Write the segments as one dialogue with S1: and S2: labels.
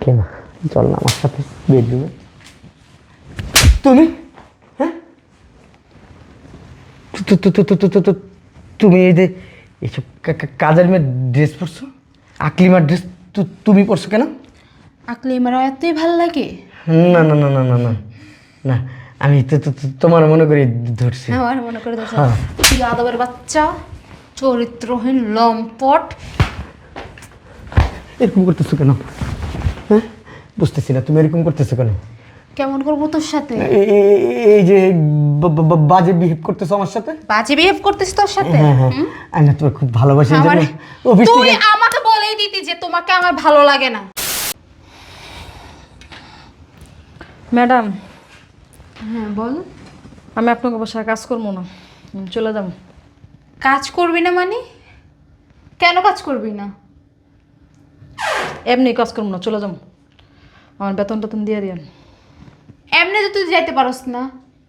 S1: আকলিমা চল না আমার সাথে বেডরুমে। তুমি হ্যাঁ তুমি এই যে এইসব কাজের মেয়ে ড্রেস পরছো, আকলিমার ড্রেস তুমি পরছো কেন?
S2: আকলিমার এতই ভাল লাগে?
S1: না না না না না না না, আমি তোমার মনে করি ধরছি।
S2: আমার মনে করে দেখো
S1: হ্যাঁ।
S2: তুই আদবের বাচ্চা, চরিত্রহীন লম্পট।
S1: এরকম করতেছো কেন? হ্যাঁ বুঝতেছি না, তুমি এরকম করতেছো কেন?
S2: কেমন করবো তোর সাথে?
S1: এই যে বাজে বিহেভ করতেছো আমার সাথে।
S2: বাজে বিহেভ করতেছিস তোর সাথে?
S1: হ্যাঁ হ্যাঁ, আমি না তোমার খুব ভালোবাসি এই
S2: আমার
S1: জন্য অফিস
S2: তুই
S1: থেকে
S2: আমাকে বলেই দিতি যে তোমাকে আমার ভালো লাগে না।
S3: ম্যাডাম,
S2: হ্যাঁ বল।
S3: আমি আপনাকে বাসায় কাজ করবো না, আমি চলে যাব।
S2: কাজ করবি না মানে? কেন কাজ করবি না?
S3: এমনি কাজ করবো না, চলে যাব। আমার বেতন টেতন দিয়ে দিন।
S2: এমনি তো তুই যাইতে পারস না,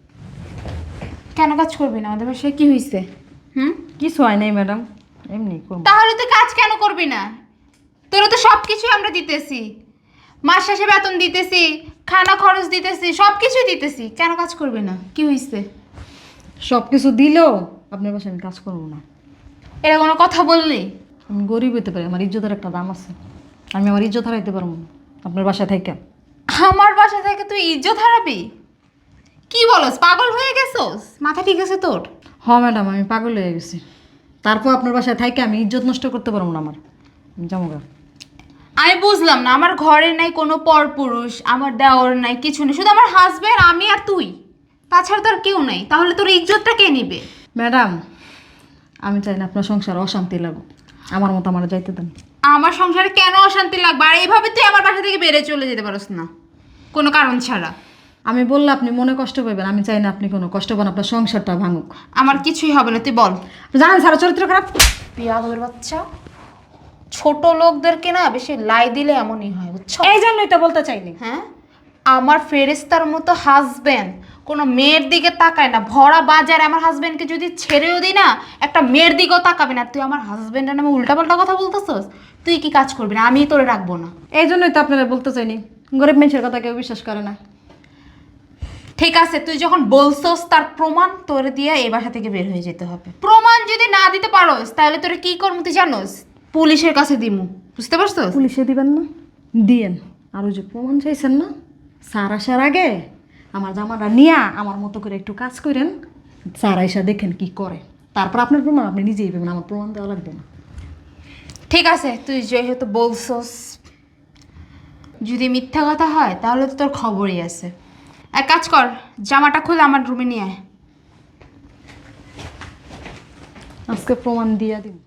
S2: কেন কাজ করবি না? আমাদের বাসায় কি হয়েছে?
S3: কিছু হয় নাই ম্যাডাম, এমনি করবো।
S2: তাহলে তুই কাজ কেন করবি না? তোরা তো সব কিছুই আমরা দিতেছি, মাস শেষে বেতন দিতেছি, খানা খরচ দিতেছি, সব কিছুই দিতেছি, কেন কাজ করবি না? কি হয়েছে?
S3: সব কিছু দিলেও আপনার বাসায় আমি কাজ করবো না।
S2: এটা কোনো কথা বললি?
S3: আমি গরিব হইতে পারি, আমার ইজ্জতের একটা দাম আছে, আমি আমার ইজ্জত হারাইতে পারবো না আপনার বাসায় থেকে।
S2: আমার বাসা থেকে তুই ইজ্জত হারাবি? কি বলস, পাগল হয়ে গেছস? মাথা ঠিক আছে তোর?
S3: হ্যাঁ ম্যাডাম, আমি পাগল হয়ে গেছি। তারপর আপনার বাসায় থেকে আমি ইজ্জত নষ্ট করতে পারবো না আমার। আমি যাবো গা।
S2: আমি বুঝলাম না, আমার ঘরে নাই কোনো পরপুরুষ, আমার দেওর নাই, কিছু নেই, শুধু আমার হাজবেন্ড, আমি আর তুই, তাছাড়া তো আর কেউ নাই। তাহলে তোর ইজ্জতটা কে নিবে?
S3: ম্যাডাম, আমি চাই না আপনার সংসার অশান্তি লাগুক, আমার মতো আমার যাইতে দেন।
S2: আমার সংসারে কেন অশান্তি লাগবে? আর এইভাবে তুই আমার বাসা থেকে বেড়ে চলে যেতে পারস না কোনো কারণ ছাড়া।
S3: আমি বললে আপনি মনে কষ্ট পাবেন, আমি চাই না আপনি কোনো কষ্ট পান, আপনার সংসারটা ভাঙুক।
S2: আমার কিছুই হবে না, তুই বল।
S3: জানেন সারা চরিত্র খারাপ।
S2: বিয়াদবের বাচ্চা, ছোট লোকদেরকে না বেশি লাই দিলে এমনই হয়, বুঝছো?
S3: এই জন্যই তো বলতে চাইনি।
S2: হ্যাঁ, আমার ফেরেস্তার মতো হাজবেন্ড কোনো মেয়ের দিকে তাকায় না। ভরা বাজারে আমার হাজবেন্ডকে যদি ছেড়েও দিই না, একটা মেয়ের দিকেও তাকাবে না। তুই আমার হাজবেন্ডের নামে উল্টাপাল্টা কথা বলতেছস? তুই কি কাজ করবি না? আমি তোরে রাখবো না।
S3: এই জন্যই তো আপনারা বলতে চাইনি, গরিব মানুষের কথা কেউ বিশ্বাস করে না।
S2: ঠিক আছে, তুই যখন বলছস তার প্রমাণ তোরে দিয়ে এই বাসা থেকে বের হয়ে যেতে হবে। প্রমাণ যদি না দিতে পারোস তাহলে তোরে কি করবো তুই জানোস? পুলিশের কাছে দিমু, বুঝতে পারছস?
S3: পুলিশে দিবেন না, দিয়েন। আর ওই যে প্রমাণ চাইছেন না, স্যার আসার আগে আমার জামাটা নিয়া আমার মতো করে একটু কাজ করেন, স্যার আইসা দেখেন কি করে, তারপর আপনার প্রমাণ আপনি নিজেই পাবেন, আমার প্রমাণ দেওয়া লাগবে না।
S2: ঠিক আছে, তুই যেহেতু বলছস, যদি মিথ্যা কথা হয় তাহলে তো তোর খবরই আছে। এক কাজ কর, জামাটা খুলে আমার রুমে নিয়ে আয়।
S3: আজকে প্রমাণ দিয়া দিন।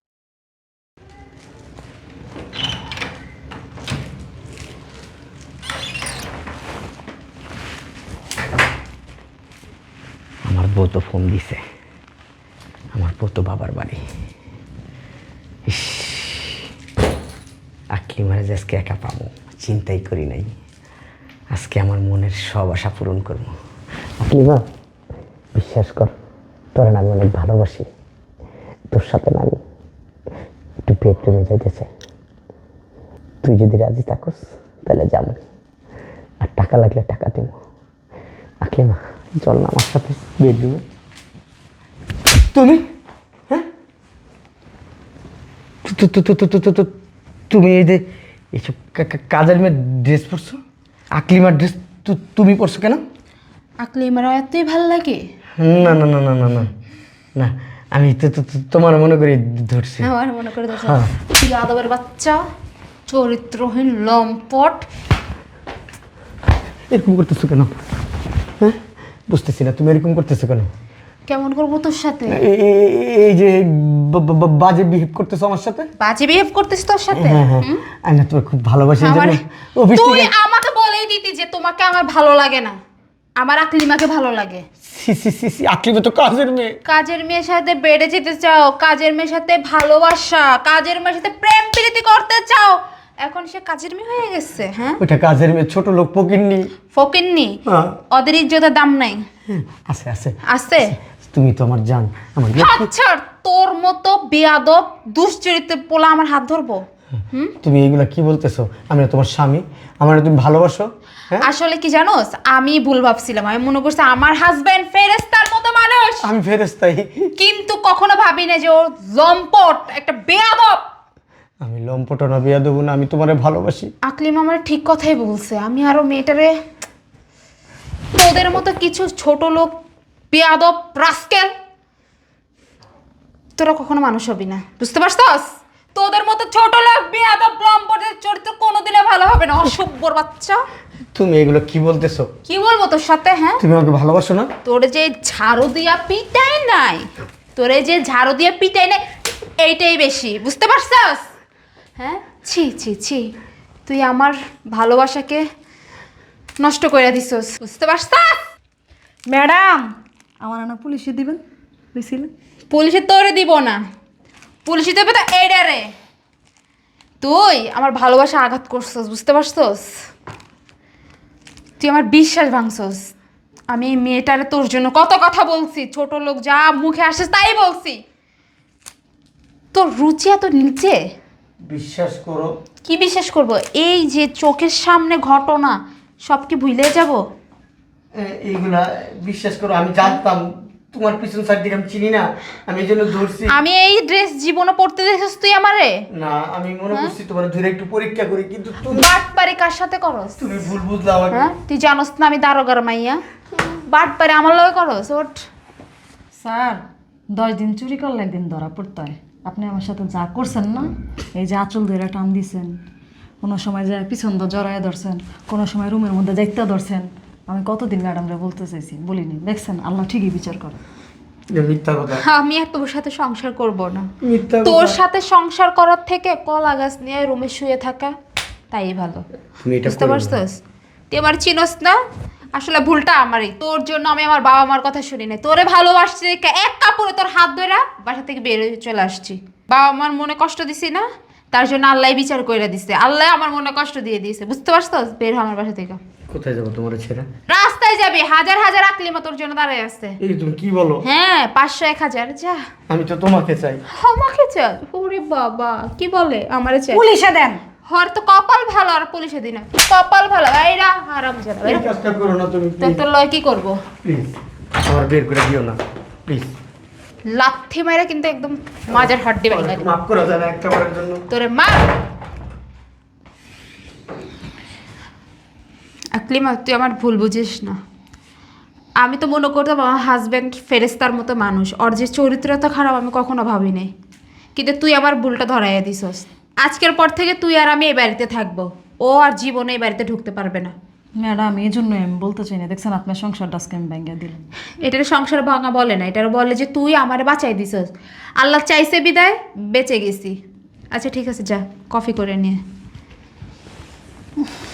S1: আমার বউ তো ফোন দিছে, আমার বউ তো বাবার বাড়ি। ইস, আকলিমারে যে আজকে একা পাবো চিন্তাই করি নাই। আজকে আমার মনের সব আশা পূরণ করবো। আকলিমা বিশ্বাস কর, তোরা না আমি অনেক ভালোবাসি। তোর সাথে না আমি একটু বেডরুমে যাইতে চাই। তুই যদি রাজি থাকস তাহলে যাবো, আর টাকা লাগলে টাকা দিব। আকলিমা চল না আমার সাথে বেডরুমে। তুমি হ্যাঁ তুমি এই যে এইসব কাজের মেয়ে ড্রেস পরছো, আকলিমার ড্রেস তুমি পরছো কেন?
S2: আকলিমার এতই ভাল লাগে?
S1: না না না না না না না, আমি তোমার মনে করি ধরছি।
S2: আমার মনে করে দেখো
S1: হ্যাঁ।
S2: তুই আদবের বাচ্চা, চরিত্রহীন লম্পট।
S1: এরকম করতেছো কেন? হ্যাঁ বুঝতেছি না, তুমি এরকম করতেছো কেন?
S2: কেমন করবো তোর সাথে?
S1: এই যে বাজে বিহেভ করতেছো আমার সাথে।
S2: বাজে বিহেভ করতেছিস তোর সাথে?
S1: হ্যাঁ হ্যাঁ, আমি না তোমার খুব ভালোবাসি এই
S2: আমার
S1: জন্য অফিস
S2: তুই
S1: থেকে
S2: আমাকে বলেই দিতি যে তোমাকে আমার ভালো লাগে না, আমার আকলিমাকে ভালো লাগে।
S1: সি সি সি সি, আকলিমা তো কাজের মেয়ে।
S2: কাজের মেয়ের সাথে বেড়ে যেতে চাও, কাজের মেয়ের সাথে ভালোবাসা, কাজের মেয়ের সাথে প্রেম প্রীতি করতে চাও, এখন সে কাজের মেয়ে হয়ে গেছে। হ্যাঁ,
S1: ওইটা কাজের মেয়ে, ছোট লোক ফকিন্নি।
S2: ফকিন্নি?
S1: হ্যাঁ।
S2: ওদের ইজ্জতের দাম নাই?
S1: আছে আছে
S2: আছে।
S1: তুমি তো আমার জান, আমার
S2: আচ্ছা, তোর মতো বেয়াদব দুশ্চরিত্রের পোলা আমার হাত ধরবো?
S1: তুমি এগুলা কি বলতেছো? আমি না তোমার স্বামী, আমার তুমি ভালোবাসো? হ্যাঁ,
S2: আসলে কি জানোস, আমি ভুল ভাবছিলাম। আমি মনে করছি আমার হাজবেন্ড ফেরেশতার মতো মানুষ,
S1: আমি ফেরেশতাই।
S2: কিন্তু কখনো ভাবি না যে ও লম্পট একটা বেয়াদব।
S1: আমি লম্পট না, বেয়াদব না, আমি তোমারে ভালোবাসি।
S2: আকলিম আমার ঠিক কথাই বলছে। আমি আরো মেয়েটারে তোদের মতো কিছু ছোট লোক, বেয়াদব, রাস্কেল, তোরা কখনো মানুষ হবি না, বুঝতে পারছস? তোদের মতো ছোট লোক, বেয়াদব, লম্পটের চরিত্র কোনোদিনও ভালো হবে না, অসভ্যর বাচ্চা।
S1: তুমি এগুলো কি বলতেছো?
S2: কি বলবো তোর সাথে? হ্যাঁ,
S1: তুমি আমাকে ভালোবাসো না?
S2: তোর যে ঝাড়ু দিয়া পিটাই নাই, তোরে যে ঝাড়ু দিয়ে পিটাই নাই, এইটাই বেশি, বুঝতে পারছস? হ্যাঁ, ছি ছি ছি, তুই আমার ভালোবাসাকে নষ্ট করে দিছস, বুঝতে পারছস?
S3: ম্যাডাম, আমার না পুলিশে দিবেন বুঝছিলেন?
S2: পুলিশে তোরে দিব না, পুলিশে দেবে তো এইডারে। তুই আমার ভালোবাসা আঘাত করছস, বুঝতে পারছস? তুই আমার বিশ্বাস ভাঙছস। আমি এই মেয়েটারে তোর জন্য কত কথা বলছি, ছোট লোক যা মুখে আসে তাই বলছি। তোর রুচি এত নিচে।
S1: বিশ্বাস করো।
S2: কি বিশ্বাস করব? এই যে চোখের সামনে ঘটনা সব কি ভুলে যাব?
S1: এইগুলা বিশ্বাস করো, আমি জানতাম তোমার পিছন সাইড দিকে আমি চিনি না, আমি এই জন্য ধরছি।
S2: আমি এই ড্রেস জীবনে পড়তে দেখছিস তুই আমারে?
S1: না, আমি মনে করছি তোমার ধরে একটু পরীক্ষা করি, কিন্তু তুমি
S2: বাটপারি কার সাথে করস?
S1: তুমি ভুল বুঝলা আমাকে।
S2: হ্যাঁ, তুই জানোস না আমি দারোগার মাইয়া? বাটপারি আমার লগে করস? ওঠ।
S3: স্যার, 10 দিন চুরি করলে একদিন ধরা পড়তে হয়। আপনি আমার সাথে যা করছেন না, এই যে আঁচল ধরে টান দিছেন, কোনো সময় যে পিছন দিয়ে জড়ায় ধরছেন, কোনো সময় রুমের মধ্যে দেখতে ধরছেন, আমি কতদিন ম্যাডামরা বলতে চাইছি, বলিনি? দেখছেন, আল্লাহ ঠিকই বিচার করে।
S1: এটা মিথ্যা কথা।
S2: আমি আর তোর সাথে সংসার করব না।
S1: মিথ্যা
S2: তোর
S1: কথা।
S2: সাথে সংসার করার থেকে কলা গাছ নিয়ে রুমে শুয়ে থাকা তাই ভালো,
S1: তুমি এটা
S2: বুঝতে
S1: করো না।
S2: পারছস? তুই আমার চিনস না, আসলে ভুলটা আমারই। তোর জন্য আমি আমার বাবা মার কথা শুনি না, তোরে ভালোবাসছি দেখে এক কাপড়ে তোর হাত ধরে বাসা থেকে বের হয়ে চলে আসছি। বাবা মার মনে কষ্ট দিছি না, তার জন্য আল্লাহ বিচার কইরা দিছে। আল্লাহ আমার মনে কষ্ট দিয়ে দিয়েছে, বুঝতে পারছস? বের হ আমার বাসা থেকে।
S1: কোথায় যাবো তোমার ছেড়ে?
S2: রাস্তায় যাবি, হাজার হাজার আকলিমা তোর জন্য দাঁড়ায় আছে।
S1: এই তুমি কি বলো?
S2: হ্যাঁ, 500 1000 যা।
S1: আমি তো তোমাকে চাই।
S2: আমাকে চাই? ওরে বাবা, কি বলে আমারে চাই?
S3: পুলিশে দেন।
S2: হর তো কপাল ভালো, আর পুলিশে দিনা কপাল ভালো। এইরা হারাম জানা,
S1: এই কাজটা করো না তুমি,
S2: তোর তো লয় কি করবো?
S1: প্লিজ আমার বের করে দিও না, প্লিজ।
S2: লাথি মাইরা কিন্তু একদম মাজার হাড্ডি ভাঙা দিবো।
S1: মাফ করা যাবে একটা বারের জন্য?
S2: তোরে মা আকলিমা, তুই আমার ভুল বুঝিস না। আমি তো মনে করতাম আমার হাজব্যান্ড ফেরেস্তার মতো মানুষ, ওর যে চরিত্র তো খারাপ আমি কখনো ভাবি নাই, কিন্তু তুই আমার ভুলটা ধরাইয়া দিছস। আজকের পর থেকে তুই আর আমি এই বাড়িতে থাকবো, ও আর জীবনে এই বাড়িতে ঢুকতে পারবে না।
S3: ম্যাডাম, এই জন্যই আমি বলতে চাই না, দেখছেন আপনার সংসারটা আজকে আমি ভেঙে দিলাম।
S2: এটার সংসার ভাঙা বলে না, এটার বলে যে তুই আমারে বাঁচাই দিছস। আল্লাহ চাইছে বিদায় বেঁচে গেছি। আচ্ছা ঠিক আছে, যা কফি করে নিয়ে।